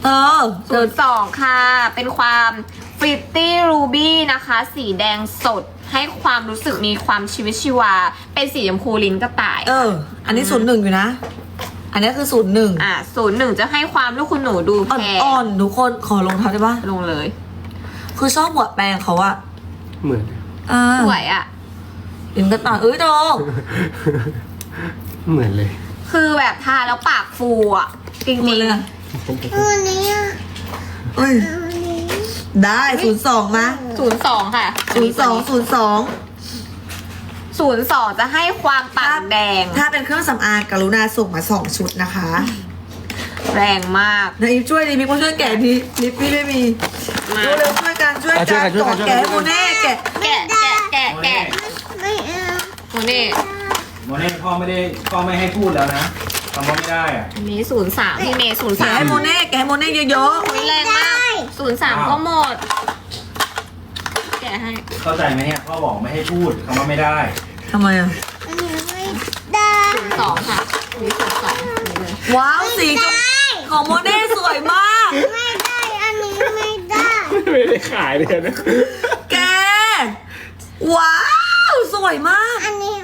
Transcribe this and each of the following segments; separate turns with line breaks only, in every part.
ศูนย์สองค่ะเป็นความฟิตตี้รูบี้นะคะ สีแดงสดให้ความรู้สึกมีความชีวิตชีวาเป็นสีชมพูลิ้นกระต่าย
อันนี้01อยู่นะ อันนี้คือ01
01จะให้ความลูกคุณหนูดูแพง
อ่อนๆทุกคนขอลงเท้าได้ปะ
ลงเลย
คือชอบหัวแปรงเขาอะ
เหมือน
สวยอ่ะ
ลิ้นกระต่ายโด
เหมือนเลย
คือแบบทาแล้วปากฟูอ่ะจริง
หมดเลยอะ
วันนี้อ่ะ
เอ้ย
วันนี้
ได้02มา
02ค่ะ 02จะให้ความปากแดง
ถ้าเป็นเครื่องสำอางกรุณาส่งมา2ชุดนะคะ
แรงมาก
นายช่วยดิมีคนช่วยแกะดิลิปพี่ไม่มี
มา
เร็วๆช่วยกันก่อนแกะโมเน่แกะ
แกะ
ไม่เอา
โมเน่
โมเน่พ่อไม่ให้พูดแล้วนะคำว่าไม่ได้อะ
อันนี้03พี่เมย์
แกะให้โมเน่เยอะ
03แรงมาก03ก็หมด แกะให้
เข้าใจไหมเนี่ยพ่อบอกไม่ให้พูดคำว่าไม่ได้
ๆทำไมอะ
อันนี้ไม่ได้
02ค่ะอันนี้02เลย
ว้าวสีของโมเน่สวยมาก
ไม่ได้อันนี้ไม่ได้
ไม่ได้ขายเลยนะ
แกว้าวสวยมาก
อันนี้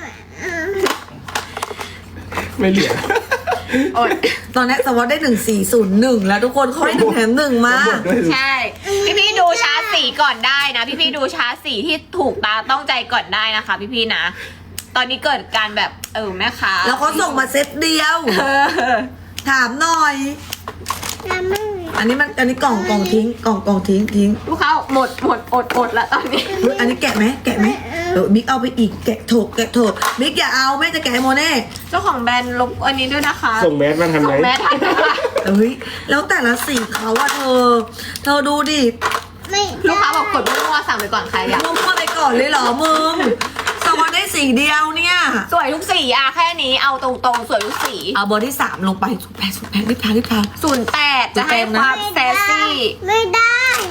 ไม่เหลือ
โอ๊ย
ตอนนี้สวอตได้1401แล้วทุกคนเขาให้1 แถม 1มา
หมดด้วย
ใช่ พี่ดูชาร์จสีก่อนได้นะ พี่ดูชาร์จสีที่ถูกตาต้องใจก่อนได้นะคะ พี่นะ ตอนนี้เกิดการแบบแม่ค้า
แล้วเขาส่งมาเซตเดียว
เออ
ถามหน่อย
ยังไม่มี
อันนี้กล่องทิ้งกล่องทิ้ง
ลูกค้าหมดอดละตอนนี้
เฮ้ยอันนี้แกะไหมบิ๊กเอาไปอีกแกะโถบิ๊กอย่าเอาแม่จะแกะให้โมเน่
เจ้าของแบรนด์ลบอันนี้ด้วยนะคะ
ส่งแมสมาทำ
ส่
ไร
งแมสทันนะคะ
เฮ้ยแล้วแต่ละสีเขาอะเธอดูดิ
ไม่
ลูกค้าบอกกดมั่วๆสั่งไปก่อนใครอยาก
มั่วๆไปก่อนเลยเหรอมึงสวอตได้สีเดียวเนี่ย
สวยทุกสีอะแค่นี้เอาตรงๆสวยทุกสี
เอาเบอร์ที่3ลงไปสุดแพงรีบทา
08จะให้ความแซซี่
ไม่ได้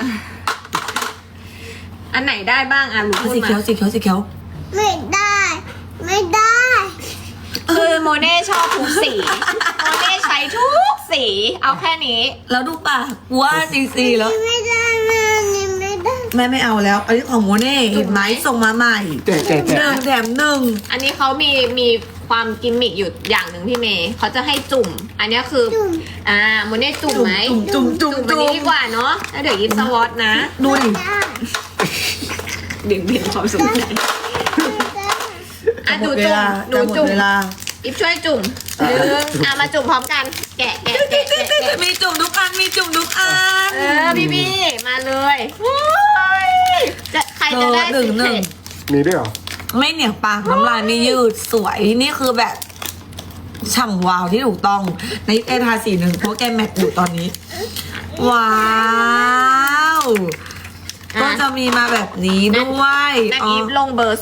อันไหนได้บ้างอ่ะรู้
สี
มา
เขียว
ไม่ได้ ไม่ได้
คือโมเน่ชอบทุกสี โมเน่ใช้ทุกสี เอาแค่นี้
แล้วดูปากว่าสีแล้ว
ไม่ได้แม่อันนี้ไม่ได้
แม่ไม่เอาแล้ว อันนี้ของโมเน่เห็นไหมส่งมาใหม่
แกะ
1 แถม 1
อันนี้เขามีความกิมมิกอยู่อย่างหนึ่งพี่เมย์เขาจะให้จุ่ม อันนี้คือ
จุ่ม
โมเน่จุ่มไหม
จุ่ม
อันนี้ดีกว่าเนาะแล้วเดี๋ยวยิบสวอตนะ
ดูดิ
ได้
เบี่ยงความสนใจอ่ะดูจุ่มหนู
จะหมด
จุ่ม
เวลา
ยิบช่วยจุ่มมาจุ่มพร้อมกัน แกะ
มีจุ่มทุกอัน
พี่มาเลยใครจะได้สีเผ็ด
มีด้วยเหรอ
ไม่เหนียวปากน้ำลายไม่ยืดสวยนี่คือแบบฉ่ำวาวที่ถูกต้องในเอทา41เพราะแกแมทอยู่ตอนนี้ ว้าวก็จะมีมาแบบนี้ด้วย
นันอีฟลงเบอร์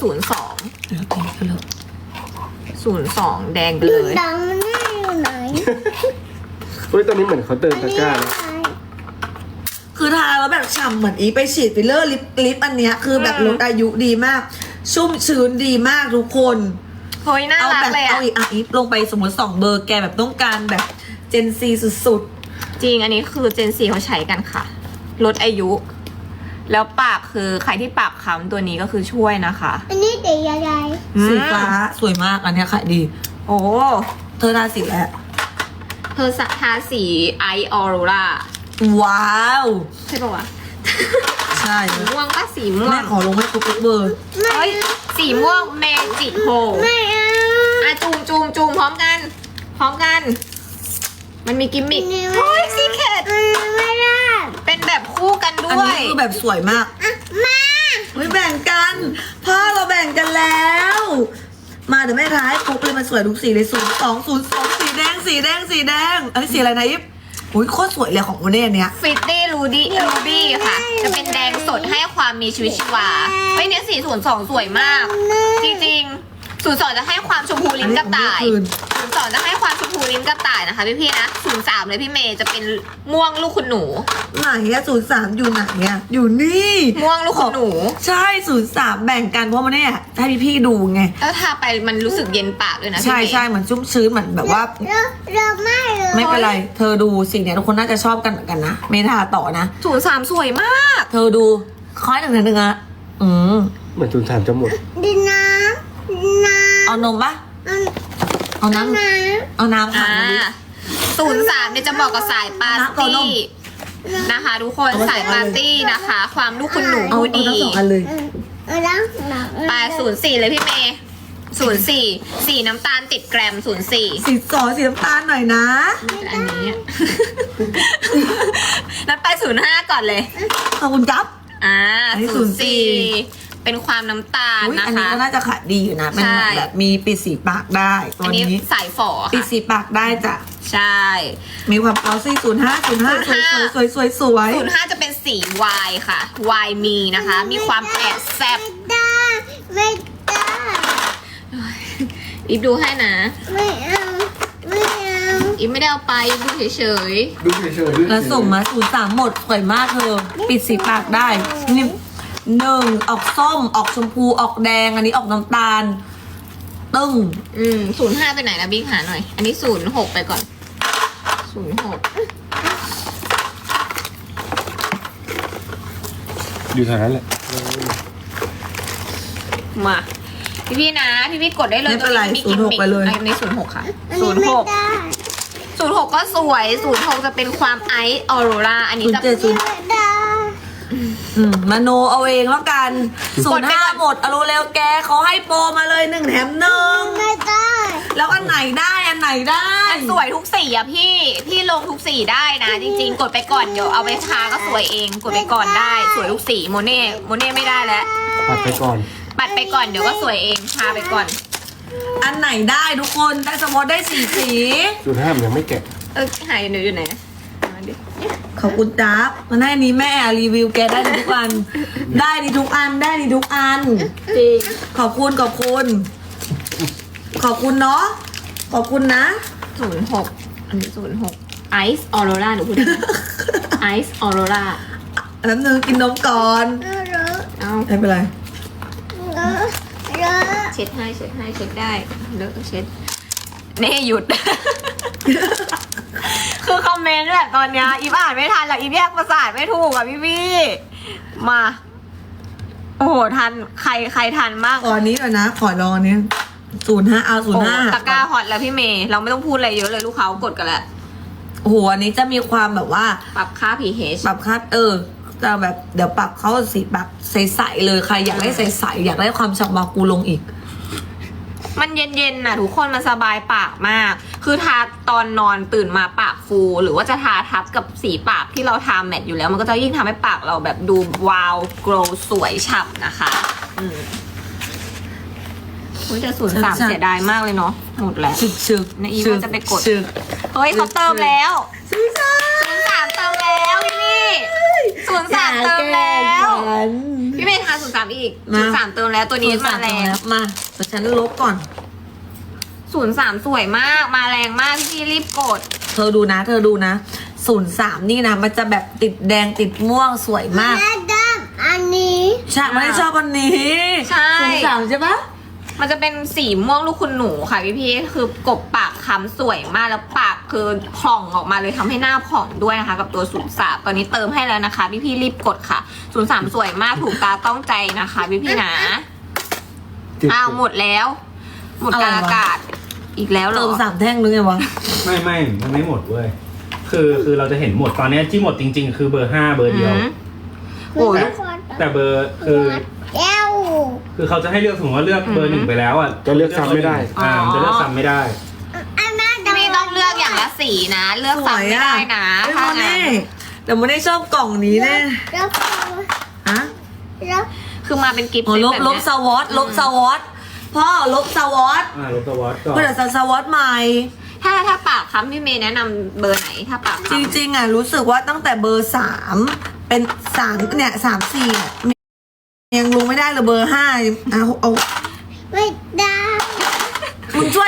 02 แดงไปเลย
ดังมันได้อยู่ไหน
เฮ้ยตอนนี้เหมือนเขาเติมตะกร้าแล้ว
คือทาแล้วแบบฉ่ำเหมือนอีไปฉีดฟิลเลอร์ลิปอันเนี้ยคือแบบลดอายุดีมาก ชุ่มชื้นดีมากทุกคน
เฮ้ยน่า
เอา
รัก
แบบ
เลย
เอาอีกอีฟลงไปสมมติ2 เบอร์แกแบบต้องการแบบเจนซีสุด
จริงอันนี้คือเจนซีเขาใช้กันค่ะ ลดอายุ แล้วปากคือใครที่ปากค้ำตัวนี้ก็คือช่วยนะคะ
อันนี้เด็กยังไง
ๆสีฟ้าสวยมากอันเนี้ยขายดี
โอ้
เธอทาสีแล้ว
เธอทาสีไอออโรรา
ว้าว
ใช่ปะวะ
ใช่
สีม่วงก็สีม่ว
แม่
ง
ขอลงให้ทุกเบอร์
เฮ้ยสีม่วงเมจิกโฮ
ไม่เอา
อ่ะจูมพร้อมกัน มันมีกิมมิคเฮ้ยซีเคท
ไม่ได้
เป็นแบบคู่กัน
อัน
ด้วย
นี้คือแบบสวยมาก
อ่ะมา
ไม่แบ่งกันพ่อเราแบ่งกันแล้ว มาเดี๋ยวแม่ท้ายครบเลยมันสวยทุกสีเลย02 สีแดงอันนี้สีอะไรนะยิปอุ้ยโคตรสวยเลยของโมเน่เนี้ย
ฟิตตี้รูบี้ค่ะ จะเป็นแดงสดให้ความมีชีวิตชีวาเฮ้ยเนี่ย42สวยมาก จริงๆ02จะให้ความชมพูลิ้นกระต่าย 02จะให้ความชมพูลิ้นกระต่ายนะคะพี่ๆนะ03เลยพี่เมย์จะเป็นม่วงลูกคุณหนู
ไหนอะ03อยู่ไหนอะอยู่นี่
ม่วงลูกคุณหนู
ใช่03แบ่งกันเพราะมันเนี่ยให้พี่ๆดูไง
แล้วทาไปมันรู้สึกเย็นปากด้วยนะพี่
ใช่
เมย์
ใช่เหมือนชุ่มชื้นเหมือนแบบว่า
เราไม่เลย
ไม่เป็นไร เธอดูสิเนี่ยทุกคนน่าจะชอบกันเหมือนกันนะเมทาต่อนะ
03สวยมาก
เธอดูค่อยหนึ่งอะ
เหมือน03จะหมด
ดินน้ำ
เอานมปะเอาน้ำ
น้
เอาน้ำค่ะ
03เนี่ยจะเหมาะกับสายปาร์ตี้นะคะทุกคนสายปาร์ตี้นะคะ ความลูกคุณหนู
เอา
พูด
ทั้
ดี
งสองอันเลย
ำล้างหนัก
ไป04เลยพี่เมย์04สีน้ำตาลติดแกรม04
สีสีน้ำตาลหน่อยนะ
อันนี้ นัดไป05ก่อนเลย
ขอบคุณครับ อันนี้
04เป็นความน้ำตาล
อุ๊ย
นะ
อันนี้
คะ
ก็น่าจะขายดีอยู่นะเป็น
ใช่
แบบมีปิดสีปากได้ตั
อั
วน
นี้
นี้
สายฝอ
ปิด
ค่ะ
สีปากได้จ้ะ
ใช่
มีความเอาซี่05 สวยสวย
05จะเป็นสีวายค่ะวายมีนะคะ มีความแอบแซบ
ได้ไม่ได้
อีฟดูให้นะ
ไม่เอาไม่เอา
อีฟไม่ได้เอาไปอีฟดูเฉย
ดูเฉยๆ
แล้วส่งมา03หมดสวยมากเธอปิดสีปากได้นี่1ออกส้มออกชมพูออกแดงอันนี้ออกน้ำตาล ตึ้ง
05ไปไหนนะบิ๊กหาหน่อย อันนี้06ไปก่อน06
อยู่แถวนั้นแหละ
มาพี่ๆนะพี่ๆกดได้เลย
ไม่เป็นไร
ตัวมีกิมมิ
06ไปเลย
ใน06ค่ะ
อันนี้ไม่ได้
06ก็สวย06จะเป็นความไอซ์ออโรราอันนี้จะ
07
ไม่ได้
มโนเอาเองแล้วกัน
กดไปก่อน
05หมดเอาเร็วๆแกเขาให้โปรมาเลย1แถม1
ไม่ได้
แล้วอันไหนได้อันไหนได้
มันสวยทุกสีอะพี่ลงทุกสีได้นะ จริงๆ กดไปก่อนเดี๋ยวเอาไปทาก็สวยเองกดไปก่อนได้สวยทุกสีโมเน่ไม่ได้แล้ว
ปัดไปก่อน
ปัดไปก่อนเดี๋ยวก็สวยเองทาไปก่อน
อันไหนได้ทุกคนได้สมมติได้4สี
05มันยังไม่แกะ
หายอยู่ไหนมาดิ
ขอบคุณจ๊าบมันให้นี้แม่รีวิวแกได้ทุกอัน ได้ดีทุกอันได้ดีทุกอัน
จริง
ขอบคุณขอบคุณ ขอบคุณเนาะขอบคุณนะ
06อันนี้06ไอซ์ออโรราหนูพูดได้ไหมไอซ์ออโรรา
แล้วนึงกินนมก่อน
เอา
ไม่เป็นไร
เช็ดให้เช็ดได้เลอะเช็ดเน่หยุด คือคอมเมนต์แบบตอนเนี้ยอีฟอ่านไม่ทันแล้วอีฟแยกประสาทไม่ถูกอ่ะพี่มา โอ้โหทันใครทันบ้าง
ขอนี้ก่อนนะ ขอลองอันนี้05เอา
โอ้โห
05
ตะกร้าฮอตแล้วพี่เมย์เราไม่ต้องพูดอะไรเยอะเลยลูกเขากดกันแล้ว
โอ้โหอันนี้จะมีความแบบว่า
ปรับค่า pH
ปรับคัดจะแบบเดี๋ยวปรับเขาสีปากใสๆเลยใครอยากได้ใสๆอยากได้ความฉ่ำวาวกูลงอีก
มันเย็นๆน่ะทุกคนมันสบายปากมาก คือทาตอนนอนตื่นมาปากฟู หรือว่าจะทาทับกับสีปากที่เราทาแมทอยู่แล้ว มันก็จะยิ่งทำให้ปากเราแบบดูวาวโกลว์สวยฉ่ำนะคะคุณจะ03เสียดายมากเลยเนาะหมดแล้ว
ชึก
ในอีเมลจะไปกด
ชึก
เฮ้ยเขาเติมแล้ว
ซื้อจ้า
03เติมแล้วพี่03เติมแล้วพี่เมย์ทา03อีก03เติมแล้วตัวนี้มาแรง
มาแต่ฉันลบก่อน
03สวยมากมาแรงมากพี่รีบกด
เธอดูนะ03นี่นะมันจะแบบติดแดงติดม่วงสวยมาก
แม่ดำอันนี้
ใช่ไม่ได้ชอบอันนี้
ใช่
03ใช่ปะ
มันจะเป็นสีม่วงลูกคุณหนูค่ะพี่คือกบปากค้ำสวยมากแล้วปากคือผ่องออกมาเลยทำให้หน้าผ่องด้วยนะคะ กับตัว03ตอนนี้เติมให้แล้วนะคะพี่รีบกดค่ะ03สวยมากถูกตาต้องใจนะคะพี่นะอ้าวหมดแล้ว หมดกลางอากาศอีกแล้วเหร
เติ
อ
ม3แท่งนึงไงวะ
ไม่มันไม่หมดเว้ยคือเราจะเห็นหมดตอนเนี้ยที่หมดจริง ๆ คือเบอร์5เบอร์เดียว
โอ้ย
แต่เบอร์
แก้ว
คือเขาจะให้เลือกสมมติว่าเลือกเบอร์1ไปแล้วอ่ะ
จะเลือกซ้ำไม่ได้
มันจะเลือกซ้ำไม่ได้
อันนั้น
พี่ต้องเลือกอย่างละสีนะ เลือกซ้ำไม่ได้นะ
ไม่
ถ้า
โม
งั้
เน่
น
แต่โมเน่ชอบกล่องนี้แน่
แล้ว
ฮะ
แล้ว
คือมาเป็นกิฟต์
อ๋อ
เซต
ลบ
แบบ
ล
เนี้
บ
ย
สวอตลบสวอตพ่อลบสวอต
ลบตัววอตก่อน
เพื่อจะสวอตใหม่
ถ้าปากค้ำพี่เมย์แนะนำเบอร์ไหนถ้าปาก
จ
ค้ำ
ริงๆอ่ะรู้สึกว่าตั้งแต่เบอร์3เป็น3เนี่ย3-4เนี่ยยังลงไม่ได้เลยเบอร์5เอา
ไม่ได้
คุณช่วยดูรีวิว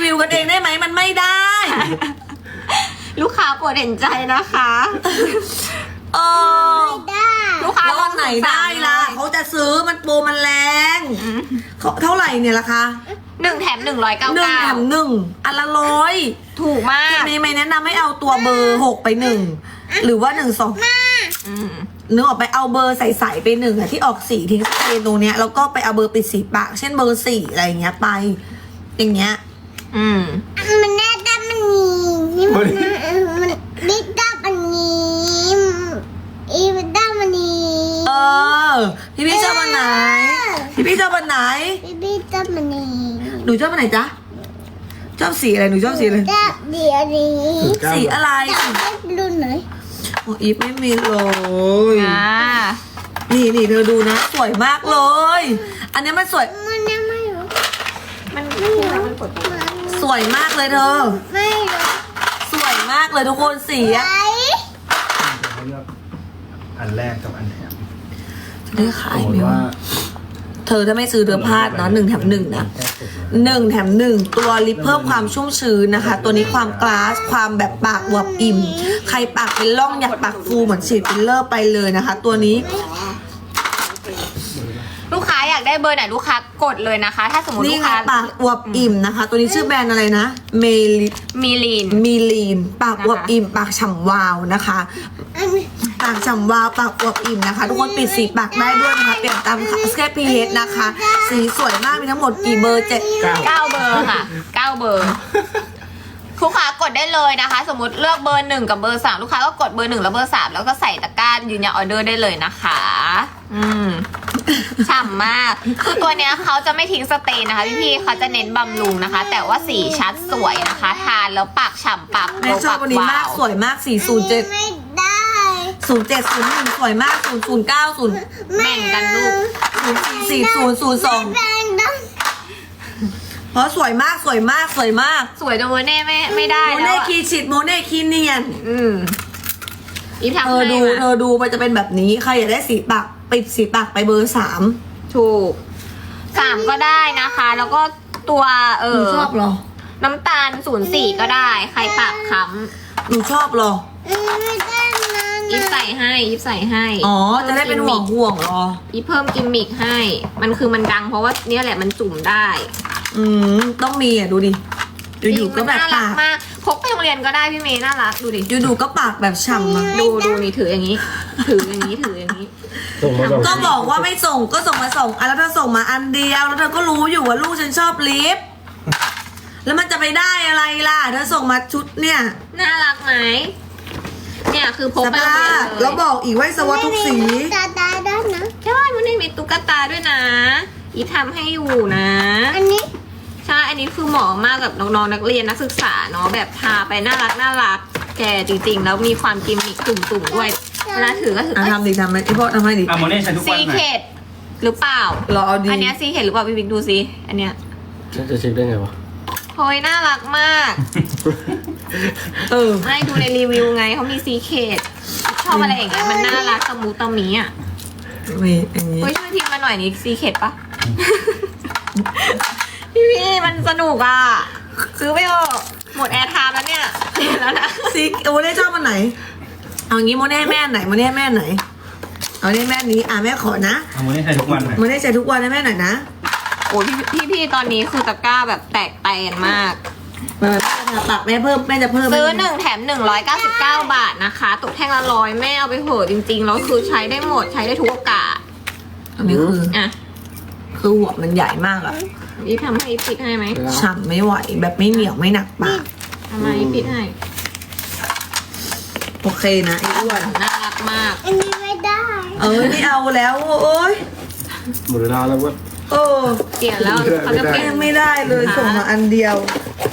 วิวกันเองได้ไหมมันไม่ได้
ลูกค้าโปรดเห็นใจนะคะ
เออ
ได้
ลูกค้า
แล้ววันไหนได้ล่ะเขาจะซื้อมันโปรมันแรงเขาเท่าไหร่เนี่ยราคา
1 แถม 199
1 แถม 1อันละ100
ถูกมาก
ไม่แนะนำให้เอาตัวเบอร์6ไป1หรือว่า1 2
อืม
นึกออกไปเอาเบอร์ใสๆไป1อ่ะที่ออกสีทิ้งสเปรย์ตรงเนี้ยแล้วก็ไปเอาเบอร์ปิดสีปากเช่นเบอร์4อะไรอย่างเงี้ยไปอย่างเงี้ย
อืม
มันแน่ด้านมันนี่มันดิด้านมันนี้อีด้านมันนี้
เออพี่ชอบอันไหนพี่ชอบอันไหน
พี่ด้านมันนี้
หนูชอบอันไหนจ๊ะชอบสีอะไรหนูชอบสีอะไร
ด้านเดียวนี้
สีอะไร
ด้านรุ่นไหน
โอ้อีฟไม่มีเลย
อ่า
นี่เธอดูนะสวยมากเลย อันนี้มันสวย
มันยังไม่รู้
มัน
มันปวด
สวยมากเลยเธอ
ไม่รู้
สวยมากเลยทุกคนสีอะ
ไหน
เขาเลือกอันแรกกับอันแถม
จะได้ขา
ส
ย
มม
ไหม
ติ
วะ
ว่า
เธอถ้าไม่ซื้อเธอพลาดนะ1 แถม 1นะ1 แถม 1ตัวลิปเพิ่มความชุ่มชื้นนะคะ ตัวนี้ความกลาสความแบบปากอวบอิ่ม ใครปากเป็นร่องอยากปากฟูเหมือนฉีดฟิลเลอร์ไปเลยนะคะ ตัวนี้
ลูกค้าอยากได้เบอร์ไหนลูกค้ากดเลยนะคะ ถ้าสมมติ
นี่
ลูก
ไง
ค้า
ปากอวบอิ่มนะคะ ตัวนี้ชื่อแบรนด์อะไรนะเมลิ
มีลีน
มีลีนปากอวบอิ่ม ปากฉ่ำวาวนะคะ ปากฉ่ำวาวปากอวบอิ่มนะคะ ทุกคนปิดสีปากได้ด้วยนะคะเปลี่ยนตามสแคปพีเฮดนะคะ สีสวยมากมีทั้งหมดกี่เบอร์
9 เบอร์ค่ะ 9 เบอร์ลูกค้ากดได้เลยนะคะ สมมติเลือกเบอร์ 1 กับเบอร์ 3 ลูกค้าก็กดเบอร์ 1 แล้วเบอร์ 3 แล้วก็ใส่ตะกร้ายืนยันออเดอร์ได้เลยนะคะ อืมฉ่ำมาก คือตัวเนี้ยเขาจะไม่ทิ้งสเตนนะคะพี่ๆเขาจะเน้นบำรุงนะคะ แต่ว่าสีชัดสวยนะคะ ทานแล้วปากฉ่ำปาก
แม่ชอบวันนี้มากสวยมาก 407
ไม่ได้
0701สวยมาก 009
แบ่งกันลูก
044
แบงด้าน
เพราะสวยมากสวยมากสวยมาก
สวยจนโมเน่ไม่ได้
โม
แล้
เน่
วอะ
คีชิดโมเน่คีเนียน
อืมอีฟทำ
เธอ
ให้
ดู
มา
เธอดูมันจะเป็นแบบนี้ใครอยากได้สีปากปิดสีปากไปเบอร์ 3
ถูก 3 ก็ได้นะคะ แล้วก็ตัว
หนูชอบเหรอ
น้ำตาล 04 ก็ได้ ใครปากค้
หนูชอบเหรอ
ไม่ได้นะ
ำอีฟใส่ให้อีฟใส่ให้
อ๋อจะได้เป็นห่วงเหรอ
อีฟเพิ่มกิมมิกให้ มันคือมันดังเพราะว่าเนี่ยแหละมันจุ่มได้
ต้องมีอ่ะดูดิอยู่ๆก็แบบ
น่ารั
ปาก ก
มากพกไปโรงเรียนก็ได้พี่เมย์น่ารักดูดิ
อยู่ๆก็ปากแบบฉ่ำอ่ะ
ดูนี่ถืออย่างนี้ ถืออย่างนี้ถืออย่างนี้
ส่งมาสอง
ก็บอกว่าไม่ส่งก็ส่งมา2 อันแล้วเธอส่งมาอันเดียวแล้วเธอก็รู้อยู่ว่าลูกฉันชอบลิปแล้วมันจะไปได้อะไรล่ะเธอส่งมาชุดเนี่ย
น่ารักไหมเนี่ยคือพก
ส
ไปโรง
ภา
เรียน
พ
เล
แล้ว
ย
บอกอีกว่าให้สวอตทุกสี
ตาได้นะ
ใช่มันไม่มีตุ๊กตาด้วยนะ อีฟทำให้อยู่นะ
อันนี้
ใช่ อันนี้คือเหมาะมากกับน้องๆนักเรียนนักศึกษาเนาะแบบทาไปน่ารักแกจริงๆ แล้วมีความกิมมิคตุ่มๆด้วยเวลาถือก็ถือ
ทำดิทำไหมไอพ่อทำให้ดิ
อ่ะโมเน่ใช้ทุกวั
ซี
นไหม
เคดหรือเปล่า
รอเอาดี
อันเนี้ยซีเคดหรือเปล่าพี่บิ๊กดูซิอันเนี้ย
ฉันจะเช็คได้ไงวะ
โอ้ยน่ารักมาก
เออ
ไม่ดูในรีวิวไงเขามีซีเคดชอบอะไรอย่างเงี้ยมันน่ารักตะมูตะมีอ่ะ
มีอย่างนี้
เฮ้ยช่วยพิมพ์มาหน่อยนี่ซีเคดปะ พี่มันสนุกอ่ะซื้อไปเถอะหมดแอร์ไทม์แล้วเนี่ยแล้วนะ
ซิกโมเน่ชอบมันไหน เอางี้โมเน่ให้แม่ไหนโมเน่ให้แม่ไหน เอาเน่แม่นี้แม่ขอนะ
อ่ะโมเน่ใช้ทุกวันไหม
โมเน่ใช้ทุกวันนะแม่หน่อยนะ
โอ้ยพี่ตอนนี้คือตะกร้าแบบแตกแตนมาก
แม่จะปากแม่เพิ่มแม่จะเพิ่ม
ซื้อ1 แถม 199 บาทนะคะ ตกแท่งละ100แม่เอาไปเหอะจริงๆแล้วคือใช้ได้หมดใช้ได้ทุกโอกาส
อันนี้คือ
อ่ะ
คือหัวมันใหญ่มากอะ
อีทำให้ปิดให้ไหม
ฉ่ำไม่ไหวแบบไม่เหนียวไม่หนักปาก
ทำไมปิดให้
โอเคนะไอ้อ้วน
น่ารักมาก
อันนี้ไม่ได้
นี่เอาแล้วโอ้ย
หมดเวลาแล้วเว้ย
โอ้
เปลี่ยนแล้วเขาจะเปลี่ยน
ยังไม่ได้เลยส่งมาอันเดียว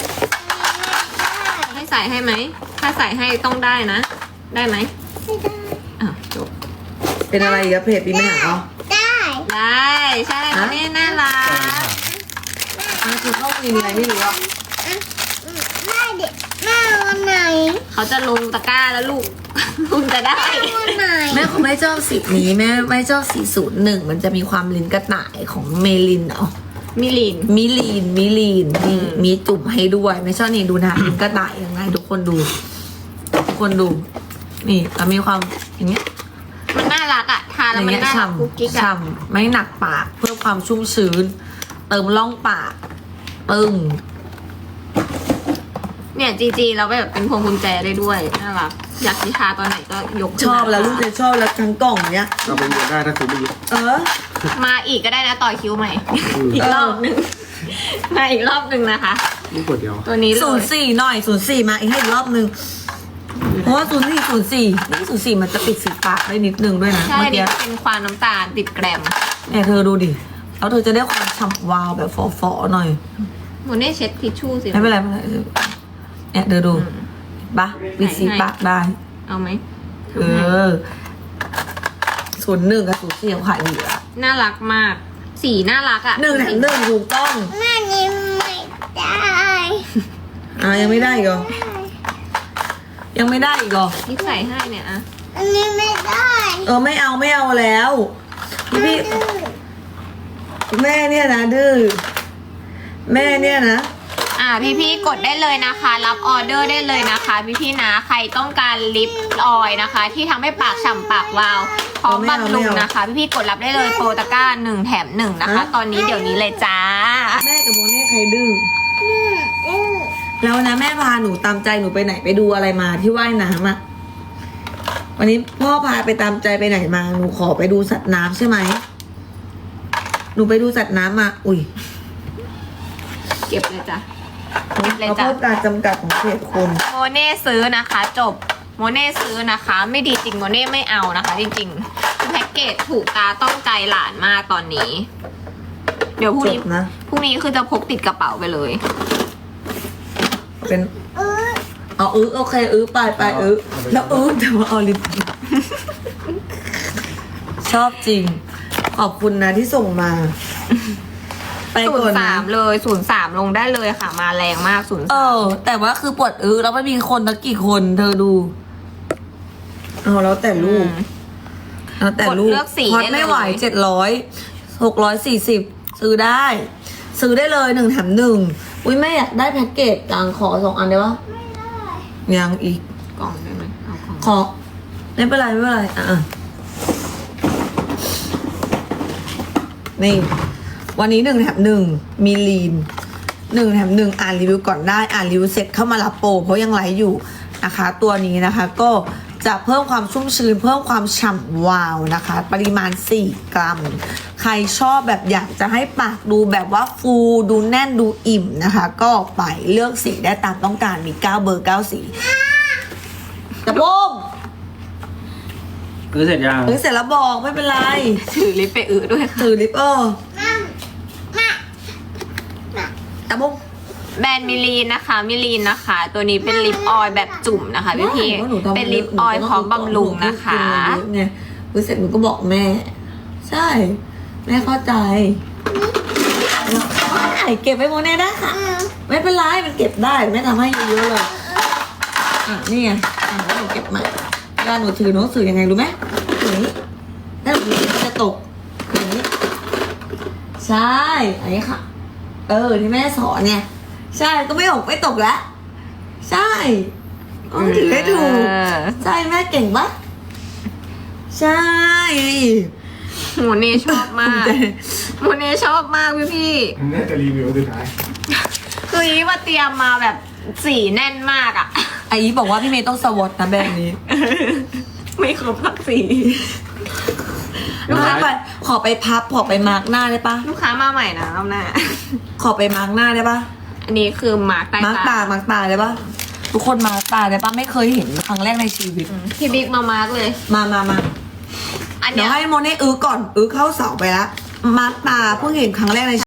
ให้ใส่ให้ไหมถ้าใส่ให้ต้องได้นะ ได้ไหม
ไม่ได้
อ่ะจบ
เป็นอะไรอีกอะเพจปีไม่หาเอา
ได้
ได้ใช่แล้วนี่น่ารัก
คือเข้าวินอะไรไม่รู้อะ
แม่เด็กแม่วันไหน
เขาจะลงตะกร้าแล้วลูก คุณจะได้
วันไหน
แม่เขาไม่ชอบสีนี้แม่ไม่ชอบสี01มันจะมีความลิ้นกระต่ายของเมลินเนาะ
มิลิน
มิลีนมีจุ่มให้ด้วย ไม่ชอบนี่ดูนะลินกระต่ายยังไงทุกคนดู ทุกคนดู นี่แล้วมีความอย่างเงี้ย
มันน่ารักอะทาน
อ
แล้ว
ย่าง
มัน
เงี้ย
น่ารักกุ๊กกิ๊กอะ
ฉ่ำไม่หนักปากเพิ่มความชุ่มชื้น เติมร่องปากปึ้ง
เนี่ยจีเราแบบเป็นพวงกุญแจได้ด้วยน่ารักอยากจะทาตอนไหนก็ยกขึ้น
ชอบแล้ว
มา
ลูกจะชอบแล้วทั้งกล่องเนี้ย
เราไปเรียนได้ถ้าคุณไม่ยึด
เออ
มาอีกก็ได้นะต่อคิวใหม่ อีกรอบหนึ่งมาอีกรอบหนึ่งนะคะ
นี่ขวดเดียว
ตัวนี้เล
ศูน
ย
ย์สี่หน่อย04มาอีกให้อีกรอบนึง เพราะว่า04นี่04มันจะปิดสีปากได้นิดนึงด้วยนะ
ใช่
เมื่อ
นี่
กี้
เป็นความน้ำตาลติดแกรม
เนี่ยเธอดูดิแล้วเธอจะได้ความฉ่ำวาวแบบฝอๆหน่อย
หมูเน่เช็ดทิชชู่สิ
ไม่เป็นไรเนี่ยเธอดูปะปิดสีปากได้
เอาไหม
เออ01กับ04เขาขายดีอะ
น่ารักมาก สีน่ารักอ่ะ
1 แถม 1ถูกต้อง
แม่นี่ไม่ได้
ยังไม่ได้อีกเหรอยังไม่ได้อีกเหรอ
นี่ใส่ให้เนี่ยอะ
อันนี้ไม่ได้
ไม่เอาแล้วพี่แม่เนี่ยนะดื้อแม่เนี่ยนะ
พี่ๆกดได้เลยนะคะ รับออเดอร์ได้เลยนะคะ พี่ๆนะใครต้องการลิปออยล์นะคะ ที่ทำให้ปากฉ่ำปากวาวพร้อมบำรุงนะคะ พี่ๆกดรับได้เลยโปรตะกร้า1 แถม 1นะคะ ตอนนี้เดี๋ยวนี้เลยจ้า
แม่กับโมเน่ใครดื้อแล้วนะแม่พาหนูตามใจหนูไปไหนไปดูอะไรมาที่ว่ายน้ำอะวันนี้พ่อพาไปตามใจไปไหนมาหนูขอไปดูสัตว์น้ำใช่ไหมหนูไปดูสัตว์น้ำมาอุ้ย
เก็บเลยจ้ะ เก็บเลย
เขา
จ้ะ
พูดการจำกัดของเขตคน
โมเน่ซื้อนะคะ จบโมเน่ซื้อนะคะ ไม่ดีจริงโมเน่ไม่เอานะคะ จริงๆคือแพ็กเกจถูกตาต้องใจหลานมากตอนนี้ เดี๋ยวพรุ่ง
จ
นี้
บนะ
พรุ่งนี้คือจะพกติดกระเป๋าไปเลย
เป็นโอเคไปแล้วแต่ว่าเอาลิปชอบจริง ขอบคุณนะที่ส่งมา ไปก่อนนะ
03เลย03ลงได้เลยค่ะ มาแรงมาก03
แต่ว่าคือปวดแล้วไม่มีคนนักกี่คนเธอดูเอาแล้วแต่ลูกแล้วแต่ลูก
กดเลือกสี
พอด
ได้เลย
ไม่ไหว640ซื้อได้เลย1 แถม 1อุ้ยแม่อยากได้แพ็กเกจจังขอ2 อันได้ปะยังอีก
กล่องได้ไหมเอากล่อง
ขอไม่เป็นไรนี่ วันนี้1 แถม 1มีลีน1 แถม 1อ่านรีวิวก่อนได้อ่านรีวิวเสร็จเข้ามารับโปรเพราะยังไลฟ์อยู่นะคะ ตัวนี้นะคะก็จะเพิ่มความชุ่มชื้นเพิ่มความฉ่ำวาวนะคะ ปริมาณ4 กรัม ใครชอบแบบอยากจะให้ปากดูแบบว่าฟูดูแน่นดูอิ่มนะคะ ก็ไปเลือกสีได้ตามต้องการมี9 เบอร์ 9 สีตะโพง
คือเสร็จยัง
เสร็จแล้วบอกไม่เป็นไร
ถือลิปไปด้วยค่ะ
ถือลิปตะโพง
แบรนด์มิลีนนะคะ ตัวนี้เป็นลิปออยล์แบบจุ่มนะคะพี่ๆเป็นลิปออยล์พร้อมบำรุงนะคะ
ไงเสร็จหนูก็บอกแม่ ใช่ แม่เข้าใจได้เก็บไว้โมเน่ได้ค่ะ ไม่เป็นไรมันเก็บได้แม่ทำให้เยอะๆเลยนี่ไงแล้วหนูเก็บใหม่เวลาหนูถือหนังสือยังไงรู้ไหมอย่างนี้ถ้าหนูถือจะตกอย่างนี้ใช่อันนี้ค่ะที่แม่สอนเนี่ยใช่ก็ไม่ออกไม่ตกแล้วใช่ต้องถือให้ถูกใช่แม่เก่งปะใช่
โมเน่ชอบมากโมเน่ชอบมากพี่
น่าจะรีวิวสุดท้าย
ๆคืออีมาเตรียมมาแบบสีแน่นมากอ่ะ
ไอ้อีบอกว่าพี่เมย์ต้องสวอตนะแบรนด์นี้
ไม่ครบสักสี
ลูกค้าไปขอไปพับขอไปมาร์กหน้าได้ปะ
ลูกค้ามาใหม่นะรอบหน้า
ขอไปมาร์กหน้าได้ปะ
อันนี้คือมาร์กใต้
มาร์กตา
ตา
มาร์กตาได้ปะทุกคนมาร์กตาได้ปะไม่เคยเห็นครั้งแรกในชีวิต
พี่บิ๊กมาร์กเลย
มา
อัน
เดี๋
เนี้
ยวย ให้โมเน่ก่อนเข้าเสาไปละมาร์กตาเพิ่งเห็นครั้งแรกใน